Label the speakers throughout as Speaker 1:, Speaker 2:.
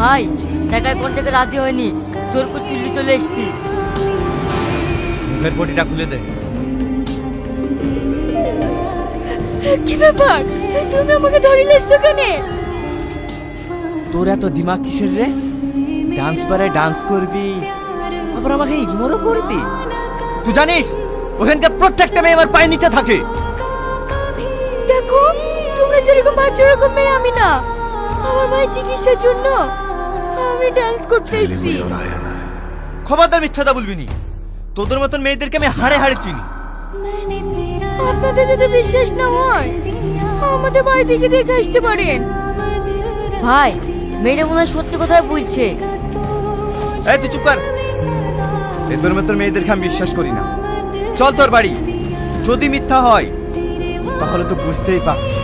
Speaker 1: ভাই টাকার কোন থেকে রাজি হয়নি, জোর করে তুলে চলে এসেছি।
Speaker 2: মুখের পটিটা খুলে দে।
Speaker 1: কি ব্যাপার, তুমি আমাকে ধরে লেছো কেন?
Speaker 2: তোর এত দিমাগ কিসের রে? ডান্স পারে ডান্স করবি, আবার আমাকে ইগনোরও করবি? তুই জানিস ওখানকার প্রত্যেকটা মেয়ে আমার পায়ের নিচে থাকে।
Speaker 1: দেখো, তোমরা যেরকম ভাবছো এরকম মেয়ে আমি না। আমার মায়ের চিকিৎসার জন্য আমি ডান্স করতে এসেছি।
Speaker 2: খবরদার মিথ্যাটা বলবি নি। তোদের মতন মেয়েদেরকে আমি হাড়ে হাড়ে চিনি।
Speaker 1: আপনাদের যদি বিশ্বাস না হয় আমাদের বাড়ি থেকে দেখে আসতে পারেন। ভাই, মেয়েটা মনে হয় সত্যি কথাই বলছে।
Speaker 2: এই তুই চুপ কর। তোদের মতন মেয়েদেরকে আমি বিশ্বাস করি না। চল তোর বাড়ি। যদি মিথ্যা হয় তাহলে তো বুঝতেই পারছি।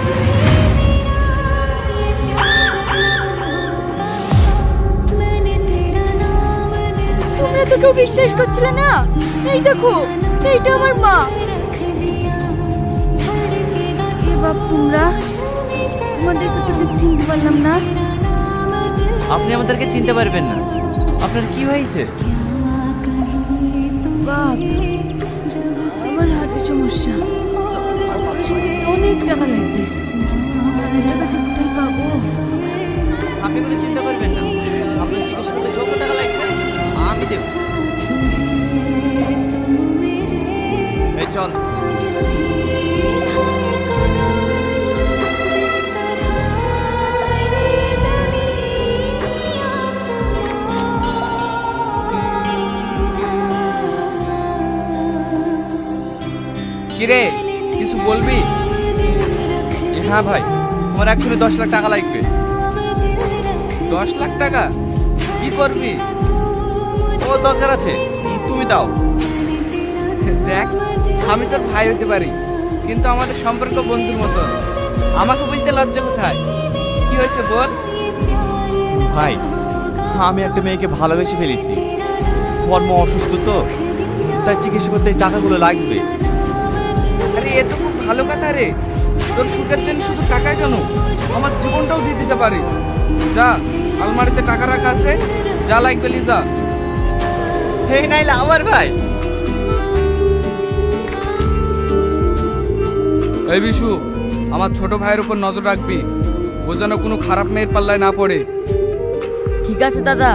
Speaker 1: তোমরা তো কেউ বিশ্বাস করছিলে না। এই দেখো, এইটা আমার মা। হে বাপ, তোমরা তোমাদেরকে তো ঠিক চিনতে পারলাম না।
Speaker 2: আপনি আমাদেরকে চিনতে পারবেন না। আপনার কি হয়েছে?
Speaker 1: বাপ, আমার হার্টের সমস্যা। অপারেশন করতে অনেক টাকা লাগবে। এত টাকা যে কোথায় পাবো?
Speaker 2: আপনি কোনো চিন্তা করবেন না। আপনার চিকিৎসা করতে যত টাকা লাগবে আমি দেব। এই চল।
Speaker 3: কিরে, কিছু বলবি?
Speaker 2: হ্যাঁ ভাই, আমার এক্ষুনি 10 লাখ টাকা লাগবে।
Speaker 3: 10 লাখ টাকা? কি করবি?
Speaker 2: ও দরকার আছে, তুমি দাও।
Speaker 3: দেখ, আমি তোর ভাই হতে পারি, কিন্তু আমাদের সম্পর্ক বন্ধুর মতো। আমাকে বলতে লজ্জা কোথায়? কি হয়েছে বল।
Speaker 2: ভাই, আমি একটা মেয়েকে ভালোবেসে ফেলেছি। ওর মা অসুস্থ তো, তাই চিকিৎসা করতে এই টাকাগুলো লাগবে।
Speaker 3: আরে এ তো খুব ভালো কথা রে। তোর সুখের জন্য শুধু টাকা কেন, আমার জীবনটাও দিয়ে দিতে পারি। যা, আলমারিতে টাকা রাখা আছে, যা লাগবে লিজা।
Speaker 2: এই নাইলে আমার ভাই।
Speaker 3: এই বিশু, আমার ছোট ভাইয়ের উপর নজর রাখবি। ও যেন কোনো খারাপ মেয়ের পাল্লায় না পড়ে।
Speaker 1: ঠিক আছে দাদা।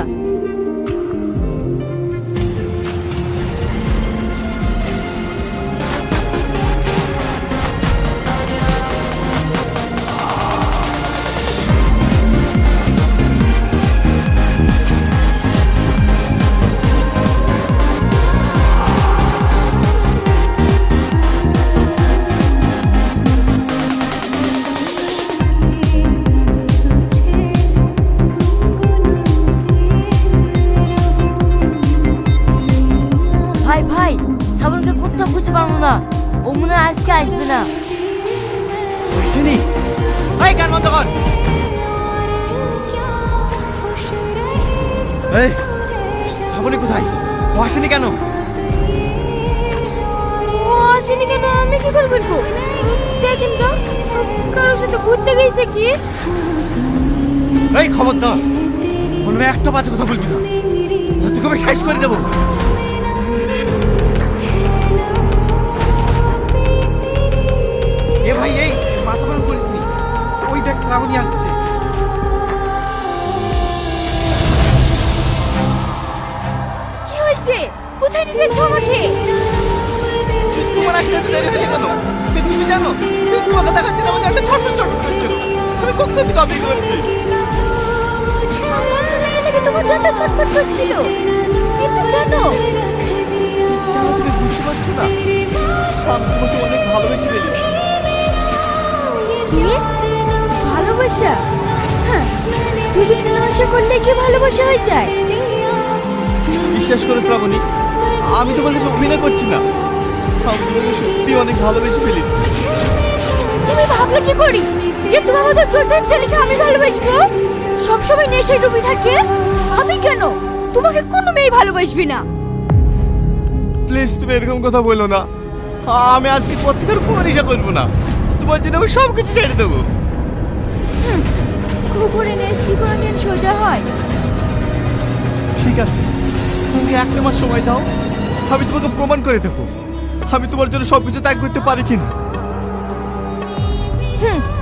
Speaker 1: ভাই ভাই, শ্রাবণকে কোথাও খুঁজে পারবো না। ও মনে হয় আজকে আসবে না।
Speaker 2: আসেনি? এই গান বন্ধ কর। এই শ্রাবণী কোথায়? ও আসেনি কেন?
Speaker 1: ও আসেনি কেন আমি কি করে বলবো? দেখেন তো, কারোর সাথে ঘুরতে গেছে কি?
Speaker 2: এই খবরদার, বলবে একটা বাজে কথা বলবি না, তোকে আমি সাইজ করে দেবো। এ ভাই, এই মাথা গরম করিস নি। ওই দেখ শ্রাবণী আসছে।
Speaker 1: কি হয়েছে? কোথায় নিয়ে যাচ্ছ আমাকে?
Speaker 2: তোমার আসতে এত দেরি হয়ে গেল। তুমি জানো তোমাকে দেখাচ্ছি না, আমাকে একটা ছোট ছোট করছিল। আমি কখন থেকে দাবি করছি।
Speaker 1: আমার ভালো লেগে তোমার জন্য ছটফট করছিল, কিন্তু কেন?
Speaker 2: কেন তুমি বুঝতে পারছো না? আমি তোমাকে অনেক ভালোবেসে ফেলেছি।
Speaker 1: কি ভালোবাসা? হ্যাঁ, দুদিন মেলামেশা করলে কি ভালোবাসা হয়ে যায়?
Speaker 2: বিশ্বাস করে শ্রাবণী, আমি তোমার কাছে অভিনয় করছি না। আমি তোমাকে সত্যি অনেক ভালোবেসে ফেলেছি।
Speaker 1: তুমি ভাবলে কি করি যে তোমার মতো ছোট্ট ছেলেকে আমি ভালোবাসবো? সবসময় নেশায় ডুবে থাকে। আমি কেন? তোমাকে কোনো মেয়ে ভালোবাসবি না।
Speaker 2: প্লিজ তুমি এরকম কথা বলো না। আমি আজকে পর থেকে আর কোনো নেশা করবো না। তোমার জন্য আমি সব কিছু ছেড়ে দেবো।
Speaker 1: কুকুরে নেস কি কোনোদিন সোজা হয়?
Speaker 2: ঠিক আছে, তুমি একটা মাস সময় দাও, আমি তোমাকে প্রমাণ করে দেবো আমি তোমার জন্য সবকিছু ত্যাগ করতে পারি কিনা।
Speaker 1: হুম,